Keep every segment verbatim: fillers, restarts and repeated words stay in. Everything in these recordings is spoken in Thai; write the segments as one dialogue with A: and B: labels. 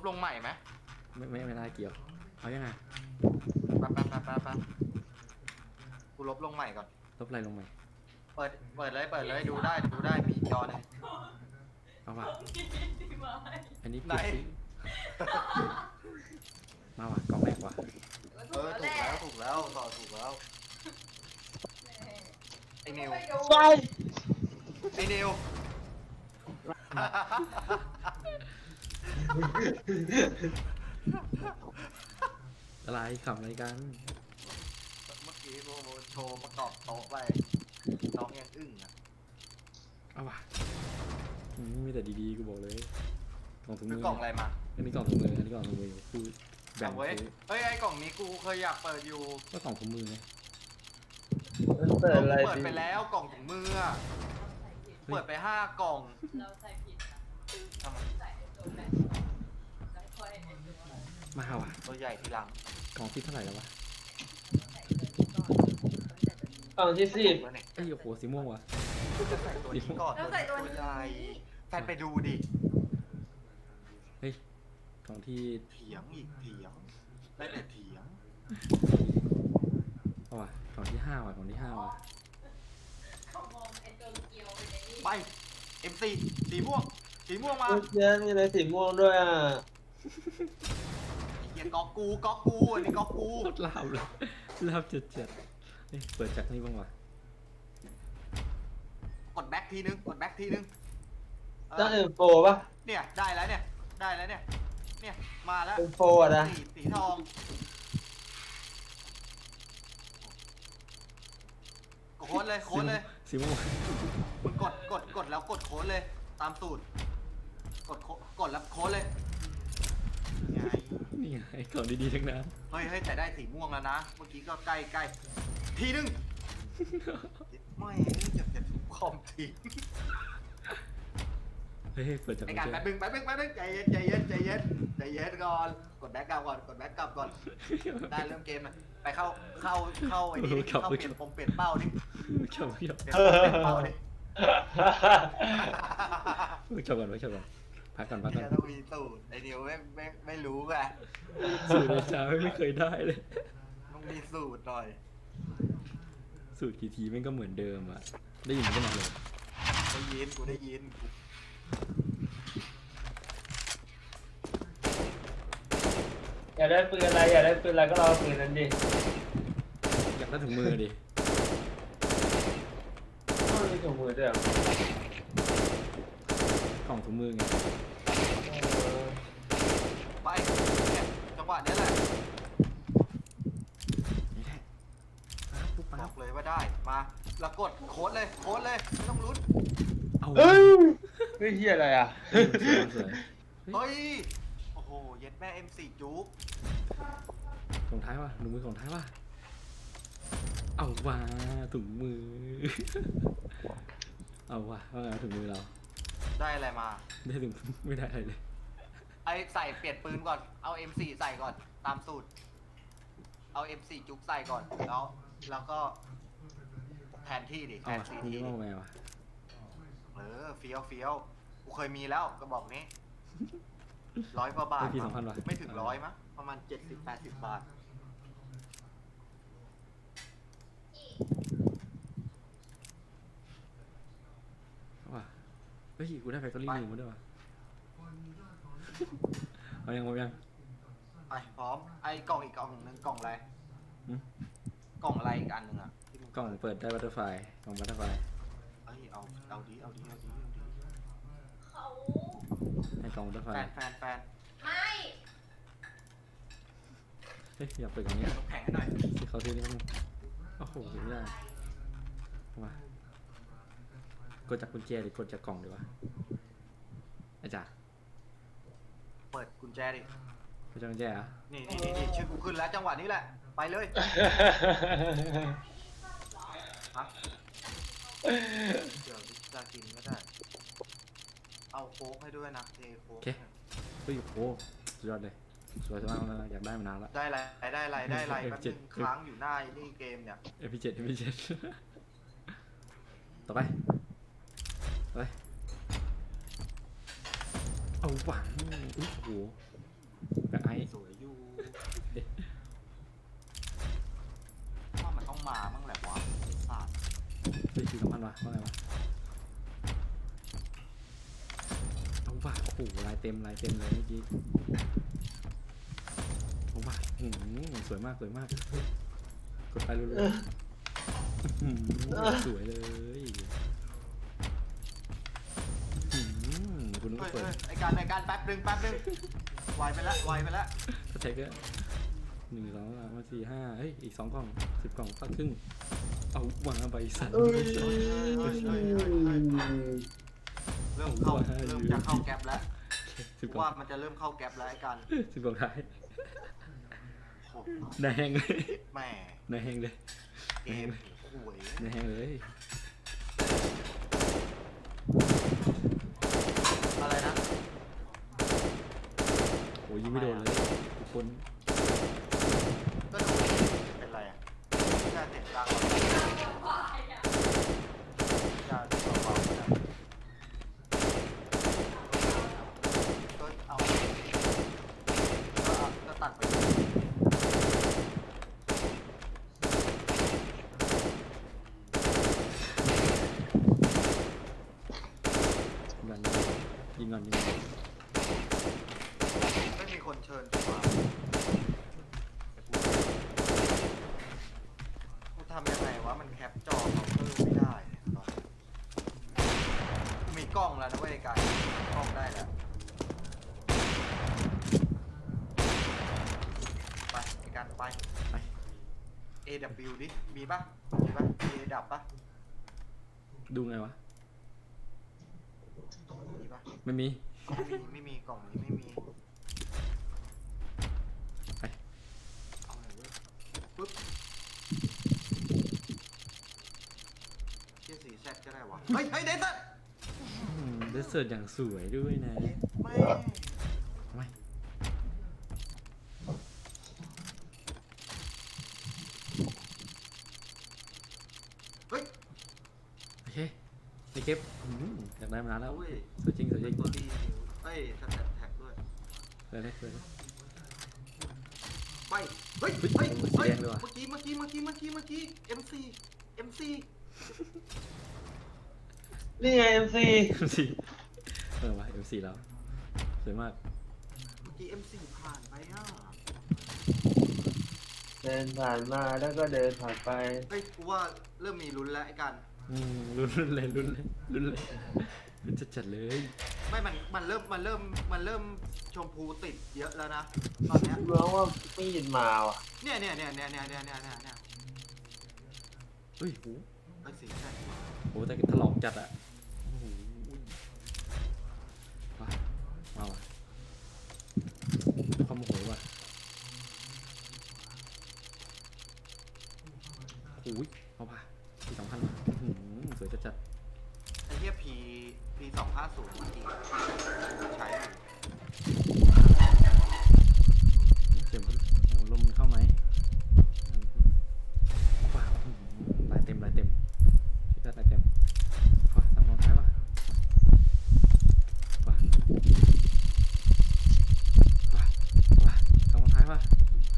A: ลงใหม่ไหม
B: ไม่ไม่ไม่น่าเกี่ยวเอายังไง
A: แป๊บแป๊บแป๊บแป๊บแป๊บกูลบลงใหม่ก่อน
B: ลบอะไรลงใหม่
A: เปิดเปิดเลยเปิดเลยดูได้ดูได้มีจอหนึ่ง
B: เอาว่ะอันนี้
A: ไหน
B: เก็บซิมาว่ะกล่องแรกว่ะ
A: เออถูกแล้วถูกแล้วต่อถูกแล้วไอ้นิว
C: ใช่
A: ไอ้นิว
B: อะไรขำอะไรกัน
A: เมื่อกี้โบโบโชว์ประกอบโต๊ะไปน้องยังอึ้งอ่ะ
B: เอาว่ะอืมมีแต่ดีๆกูบอกเลยกล่องถุง
A: คื
B: มื
A: อ
B: อก
A: ล่องอะไรมา
B: อันนี้กล่องถุงมืออันนี้กล่องถุงมือคือแบ่ง
A: เอาเว้ย
B: ซื้อ
A: เฮ้ยไอ้กล่องนี้กูเคยอยากเปิดอยู่
B: ก็กล่องถุงมือไง
C: เปิดอะไร
A: เปิด
C: ดิ
A: ไปแล้วกล่องถุงมืออะเปิดไปห้ากล่อง
D: เราใส่ผิดนะ
A: ทำไม
D: ใส่ตัวแบนแล้วค่อยไอ้ตัว
B: มาว่ะ
A: ตัวใหญ่ทีหลัง
B: กล่องที่เท่าไหร่แล้ววะ
D: ใส่ตัวนี้ก่อน
C: กล่องที่สิบ
A: ตัวเนี่ย
B: เอ้ยโอ้โหสีม่วงว่ะ
A: จะใส่ตัวนี้ก่อน
D: เราใส่ตัวนี้
A: ใหญ่แฟนไปดูดิ
B: เฮ้ยกล่องที่
A: เถียงอีกเถียงได้แต่เถียง
B: เอาว่ะกล่องที่ห้าว่ะกล่องที่ห้าว่ะ
D: เขามองไอ้ตัวเกียวเป็นไอ้นี่
A: ไป เอ็ม ซี สีม่วงสีม่วงมา
C: เยอะมีอะไรสีม่วงด้วยอ่ะ
A: ไอ้เหี้ยก๊อกกูก๊อกกูอันนี้ก๊อกกู
B: โคตรลาบเลยลาบจัดจัดๆเฮ้ยเปิดจากนี่บ้างว่ะ
A: กดแบ็คทีนึงกดแบ็คทีนึงเออ
C: ต้องเอ็มโฟป่ะ
A: เนี่ยได้แล้วเนี่ยได้แล้วเนี่ยเนี่ยมาแล้ว
C: เอ็มโฟอ่ะนะ
A: สีสีทองโค้ดเลยโค้ดเลย
B: สีม่วง
A: มึงกดกดกดแล้วกดโค้ดเลยตามสูตร กดโค้ดกดแล้วโค้ดเลยไง
B: นี่ไงกล่องดีๆทั้งนั้น
A: เฮ้ยเฮ้ยแต่ได้สีม่วงแล้วนะ เมื่อกี้ก็ใกล้ใกล้ทีนึงไม่จะจะทุบคอมทิ้ง
B: เฮ้ยเปิดจาก
A: ในการแป๊บนึงแป๊บนึงแป๊บนึงใจเย็นใจเย็นใจเย็นใจเย็นก่อนกดแบ็กกลับก่อนกดแบ็กกลับก่อนได้เริ่มเกมนะไปเข้าเข้าเข้าไอ้นี่เข้าเปลี่ยนปมเปลี่ยนเป้าดิ
B: ชอบชอบ
A: เปลี่ยนปมเปลี่ยนเป้าดิ
B: ชอบก่อนไว้ชอบก่อนพักก่อนพักก่อน
A: เนี่ยต้องมีสูตรไอ้นิวไม่ไม่ไม่รู้ไง
B: สูตรในเช้าไม่เคยได้เลย
A: ต้องมีสูตรหน่อย
B: สูตรกี่ทีแม่งก็เหมือนเดิมอ่ะได้ยินกันหมดเลย
A: ได้ยินกูได้ยิน
C: อยากได้ปืนอะไรอยากได้ปืนอะไรก็รอปืนนั้นดิ
B: อยากได้ถึงมือดิ
C: ต้องมีถุงมือด้วยเหรอก
B: ล่องถุงมือไง
C: เออ
A: ไปเนี่ยจังหวะนี้แหละ
B: นี่แหละปั๊บปุ๊บ
A: บ
B: ปั๊
A: อบ กเลยว่าได้มาแล้วกดโค้ดเลยโค้ดเลยไม่ต้องลุ้น
B: เอา
C: เอ้ยไม่เฮียอะไรอ่ะ
B: สวยสวย
A: เฮ้ยโอ้โหเย็ดแม่ เอ็ม สี่ จุ๊ก
B: ของท้ายว่ะถุงมือของท้ายว่ะเอาว่าถุงมือ เอาว่ะว่าไงถุงมือเรา
A: ได้อะไรมา
B: ได้ถึงไม่ได้อะไรเลย
A: ไอใส่เปลี่ยนปืนก่อนเอา เอ็ม สี่ ใส่ก่อนตามสูตรเอา เอ็ม สี่ จุ๊กใส่ก่อนแล้วแล้วก็แทนที่ดิแท
B: เอา
A: น
B: ว่ะ
A: ซี
B: มึง
A: ที
B: จะว่าไงวะ
A: เออเฟี้ยวเฟี้ยวกูเคยมีแล้วกระบอกนี้ร้อยกว่าบาท
B: ได้พี่สองพันว่ะ
A: ไม่ถึงร้อยมั้งประมาณเจ็ดสิบแปดสิบบาท
B: เอาว่ะเฮ้ยกูได้แฟคทอรี่หนึ่งมาด้วยว่ะเอายังเอายัง
A: ไปพร้อมไอ้กล่องอีกกล่องหนึ่งกล่องอะไร
B: หืม
A: กล่องอะไรอีกอันหนึ่งอ่ะที่มึง
B: กล่องเปิดได้บัตเตอร์ไฟกล่องบัตเตอร์ไฟ
A: เอ้ยเอาเอาดีเอาดีเอาดีเอาดี
D: เขา
B: ให้กล่องบัตเตอร์ไฟ
A: แฟนแฟนแฟน
D: ไม่
B: เฮ้ยอยากเปิดกล่องนี้
A: น้ำแข็งให้หน่อย
B: ที่เขาซื้อนี่มั้งโอ้โหไม่ได้เอามากดจากกุญแจหรือกดจากกล่องดีวะอาจารย์
A: เปิดกุญแจดิ
B: กดจากกุญแจเหรอ่ะ
A: นี่นี่นี่นี่ชื่อกูขึ้นแล้วจังหวะนี้แหละไปเลยฮะเดี๋ยวจะกินก็ได้เอาโค้กให้ด้วยนะเทโค้ก
B: เฮ้ยโอ้โหสุดยอดเลยสวยมากแล้วนะอยากได้มานานละ
A: ได้ไรได้ไรได้ไร
B: เอฟ
A: แป๊บ
B: เจ็
A: นึ
B: ด
A: งค้างอยู่หน้าไอ้นี่เกมเนี่ย
B: เอพีเจ็ดเอพีเจ็ดต่อไปต่อไปเอาหวังโอ้โหโหลายเต็มลายเต็มเลยเมื่อกี้โอ้มาอืมสวยมากสวยมากกดไปเรื่อยๆอืมสวยเลยอืมคุณนึก
A: เฮ้
B: ว่าย เปิด
A: เฮ้ยไอการไอการแป๊บนึงแป๊บนึงไวไปละไวไปละ
B: สเต็กเกอร์หนึ่งสองสามสี่ห้าเฮ้ยอีกสองกล่องสิบกล่องสักครึ่งเอาวางไปสัตว์
C: เอ้ย
A: เฮ้ยเฮ้ยเฮ้ยเฮ้ยเฮ้ยเริ่มเข้าเริ่มจะเข้าแก๊ปแล้ว
B: สิบกล่อ
A: ว่าง มันจะเริ่มเข้าแก๊ปแล้วไอการ
B: สิบกล่องท้าย
A: โอ้
B: หน้าแห้งเลย
A: แม่
B: หน้าแห้งเลย
A: เกมห่วย
B: หน้าแห้งเลย
A: อะไรนะ
B: โอ้ยยิงไม่โดนเลยทุกคน
A: ก็ดูเป็นไรอ่ะแค่เสียงดังจะเบาๆนะก็เอาก็เอาก็ตัดไป
B: ยิงก่อนยิงก่อนยิงก่อน
A: ไม่มีคนเชิญกูมากูทำยังไงวะมันแคปจอเขาเพิ่มไม่ได้ตอนนี้มีกล้องแล้วนะเว้ยกายกล้องได้แล้วไปไอ้การไป
B: ไป
A: เอ ดับเบิลยู ดิ มีปะมีปะ A ดับปะ
B: ดูไงวะ
A: มีปะ
B: ไม่มี
A: ไม่มี ไม่มี กล่องนี้ไม่มี
B: ไป
A: เอาหน่อยเว้ยปึ๊บเชี่ยสีแซดก็ได้วะ เฮ้ย เฮ้ยเดซัน
B: เดสเซิร์ตอย่างสวยด้วยนะ
A: ไม่
B: ทำไม
A: เฮ้ย
B: โอเคนี่เก็บอืมอยากได้มานานแล้ว
A: โอ้ย
B: สวยจริงสวยจริง
A: ตัวดีเฮ้ยสแตทแท็กด้วย
B: เลยเลยเลยเลย
A: ไป เฮ้ย
B: เฮ้
A: เฮ้
B: ย
A: ย
B: สี
A: เฮ้ย
B: แดงเลยว่ะ
A: เมื่อกี้ เมื่อกี้ เมื่อกี้ เมื่อกี้ เมื่อกี้ เอ็ม ซี เอ็ม ซี
C: นี่ไงเอ็มซี
B: เอ็มซีเออวะเอ็มซีแล้วสวยมาก
A: เมื่อกี้ เอ็ม ซี ผ่านไปอ่ะ
C: เดินผ่านมาแล้วก็เดินผ่านไป
A: เฮ้ย กูว่าเริ่มมีลุ้นแล้วไอ้กัน
B: อืมลุ้นลุ้นเลยลุ้นเลยลุ้นเลยลุ้นจัดๆเลย
A: ไม่ มัน มันเริ่ม มันเริ่ม มันเริ่มชมพูติดเยอะแล้วนะ ตอนเนี้ย
C: ร้องว่ามีดมาว่ะ
A: เนี่ยเนี่ยเนี่ยเนี่ยเนี่ยเนี่ยเนี่ยเนี่ยเนี่ย
B: เฮ้ยโห
A: ไอ้สีใช่
B: โหแต่ถลอกจัดอะโอ้โหมามาว่ะความโมโหว่ะโอ้ยเอาป่ะสี่สองพันว่ะอื้อหือสวยจัดจัด
A: ไอ้เหี้ยพีพีสองห้าศูนย์เมื่อกี้ใช้อยู่
B: เสียงมันเสียงลมมันเข้าไหมว้าวอื้อหือลายเต็มลายเต็มชิคกี้พายลายเต็มว้าสามรองท้ายว่ะว้าว้าว้าสามรองท้ายว่ะ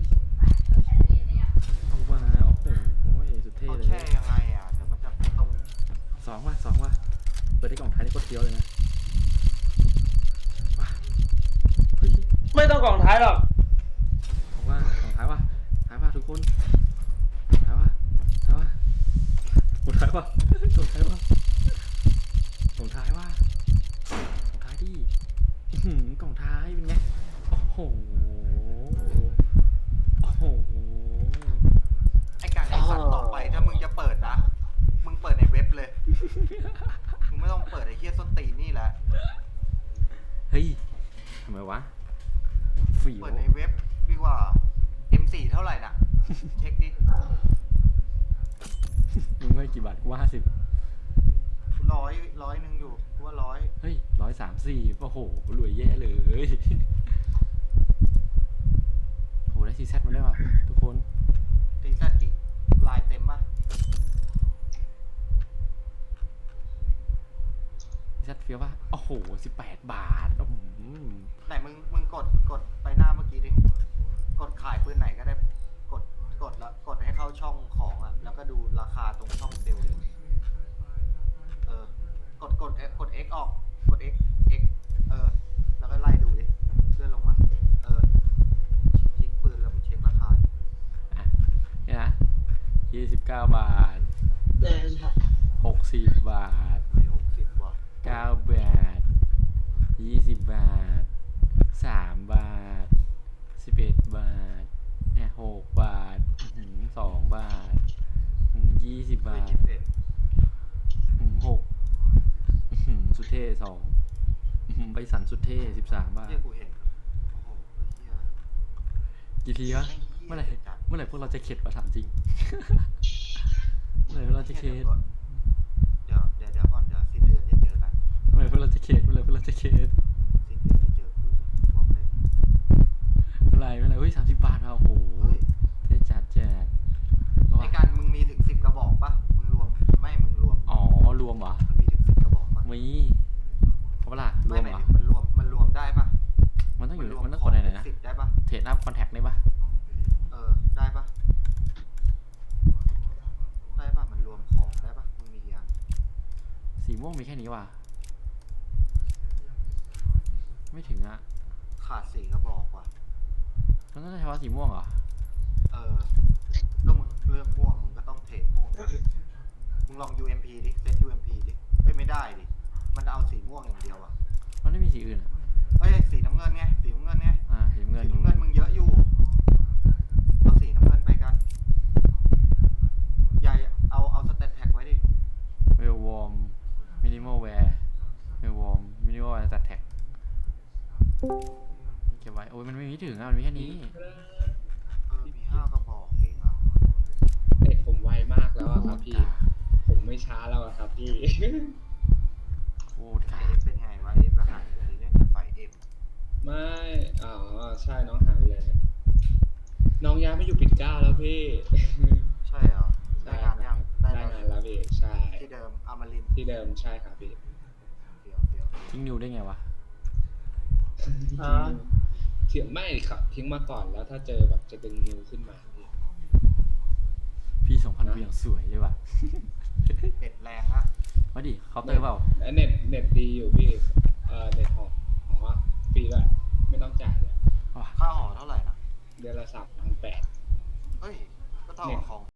B: เอาว่าโอ้โหโอ้ยสุดเท่
A: เขา
B: เลย
A: แช่ยังไงอ่ะเดี๋ยวมันจะตรง
B: สองว่ะสองว่ะเปิดได้กล่องท้ายได้โคตรเฟี้ยวเลยนะว้าเฮ้ย
C: ไม่ต้องกล่องท้ายหรอก
B: บอกว่ากล่องท้ายว่ะท้ายว่ะทุกคนท้ายว่ะท้ายว่ะกล่องท้ายว่ะกล่องท้ายว่ะกล่องท้ายว่ะกล่องท้ายดิอื้อหือกล่องท้ายเป็นไงโอ้โหโอ้โห
A: ไอ้การไอ้สัตว์ต่อไปถ้ามึงจะเปิดนะ มึงเปิดในเว็บเลย มึงไม่ต้องเปิดไอ้เหี้ยส้นตีนนี่แหละ
B: เฮ้ยทำไมวะฝีว
A: เปิดในเว็บดีกว่า เอ็ม สี่ เท่าไหร่น่ะ เช็คดิ
B: มึงให้กี่บาทกูว่าห้าสิบ
A: ร้อยร้อยหนึ่งอยู่กูว่าร้อย
B: เฮ้ยร้อยสามสี่โอ้โหรวยแย่เลยโหได้ซีแซดมาด้วยว่ะทุกคน
A: ตีแซดจิลายเต็มป่ะ
B: ซีแซดเฟี้ยวป่ะโอ้โหสิบแปดบาทอื้อหือ
A: ไหนมึงมึงกดกดไปหน้าเมื่อกี้ดิ กดขายปืนไหนก็ได้ กดกดแล้วกดให้เข้าช่องของอ่ะ แล้วก็ดูราคาตรงช่องเซลล์เลยเออ กดกดกด X ออก กด X X เออ
B: ยี่สิบเก้าบาท
C: เดินครับ
B: หกสิบบาท
A: ไม่หกสิบว่ะ
B: เก้าบาทยี่สิบบาทสามบาทสิบเอ็ดบาทเนี่ยหกบาทอื้อหือสองบาทอื้อหือยี่สิบบาท
A: ยี่สิบเอ็ด
B: อื้อหือหกอื้อหือสุดเท่สองอื้อหือใบสันสุดเท่สิบสามบาท
A: เฮียกูเห็นโอ้โหเฮีย
B: กี่ทีวะเมื่อไหร่เมื่อไหร่พวกเราจะเข็ดวะถามจริง เมื่อไหร่พวกเราจะเข็ด
A: เดี๋ยวเดี๋ยวเดี๋ยวก่อนเดี๋ยวสิ้นเดือนเดี๋ยวเจอกัน
B: เมื่อไหร่พวกเราจะเข็ดเมื่อไหร่พวกเราจะเข็ด
A: สิ้นเดือนเดี๋ยวเจอกูบอกเลย
B: เมื่อไหร่เมื่อไหร่เฮ้ยสามสิบบาทมาโอ้โห
A: เฮ้ย
B: เท่จัดแจ๊ดเอา
A: ใน
B: วะ
A: การมึงมีถึงสิบกระบอกปะมึงรวมไม่มึงรวม
B: อ๋อรวมเหรอ
A: มันมีถึงสิบกระบอกปะ
B: มีเขาเปะล่าร
A: ไม่
B: วม
A: หมาย
B: เหรอ
A: ถึงมันรวมมันรวมได้ปะ
B: มันต้องอยู่
A: รว
B: มันต้องกดอะไรนะ
A: สิบได้ปะ
B: เทรดอัพคอนแทคได้ปะ
A: เออได้ปะได้ปะมันรวมของได้ปะมึงมียัง
B: สีม่วงมีแค่นี้ว่ะไม่ถึงอ่ะ
A: ขาดสี่กระบอกว่ะ
B: มันต้องใช้เฉพาะสีม่วงเหรอ
A: เออแล้วมึงเลือกม่วงมึงก็ต้องเทรดม่วงนะมึงลอง ยู เอ็ม พี ดิเซต ยู เอ็ม พี ดิเฮ้ยไม่ได้ดิมันเอาสีม่วงอย่างเดียวอะ
B: มันไม่มีสีอื่นอ่ะ
A: เอ้ยสีน้ำเงินไงสีน้ำเงินไง
B: อ่าสีน้ำเงิน
A: สีน้ำเงินมึงเยอะอยู่เอาสีน้ำเงินไปกันใหญ่เอาเอาสเตตแท็กไว้ดิ
B: เวลวอร์มมินิมอลแวร์เวลวอร์มมินิมอลแวร์ตัดแท็กเก็บไว้โอ้ยมันไม่มีถึงอ่ะมันมีแค่นี้
A: เออมีห้ากระบอกเองอะ
C: เด็กผมไวมากแล้วอะครับพี่ ผมไม่ช้าแล้วอะครับพี่
B: โคตร
A: เอ
B: ขา
A: ฟเป็นไงวะเอฟอาหารหรือเล่นแต่ไฟเอ็ม
C: ไม่ อ๋อ ใช่น้องหายไปเลย น้องย้ายมาอยู่ปิ่นเกล้าแล้วพี่
A: ใช่เหรอได้งานยัง
C: ได้
A: ได้
C: งาน
A: แล้ว
C: แล้วพี่ ใช่
A: ที่เดิมอมรินทร์
C: ที่เดิมใช่ครับพี่
A: เฟียวเฟียว
B: ทิ้งนิวได้ไงวะ
C: อ่าทิ้งไม่ครับทิ้งมาก่อนแล้วถ้าเจอแบบจะดึงนิวขึ้นมาพี่
B: พี่สองพันกูอย่างสวยเลยว่ะ
A: เด็ดแรงอะ
B: มาดิเคาน์เตอร์เปล่า
C: แล้วเน็ตเน็ตดีอยู่พี่ เอ่อเน็ตหอหอฟรีด้วยไม่ต้องจ่ายเลย
B: ว่ะ
A: ค่าหอเท่าไหร่นะ
C: เดือนละสามพันแปด
A: เฮ้ยก็เท่ากับของ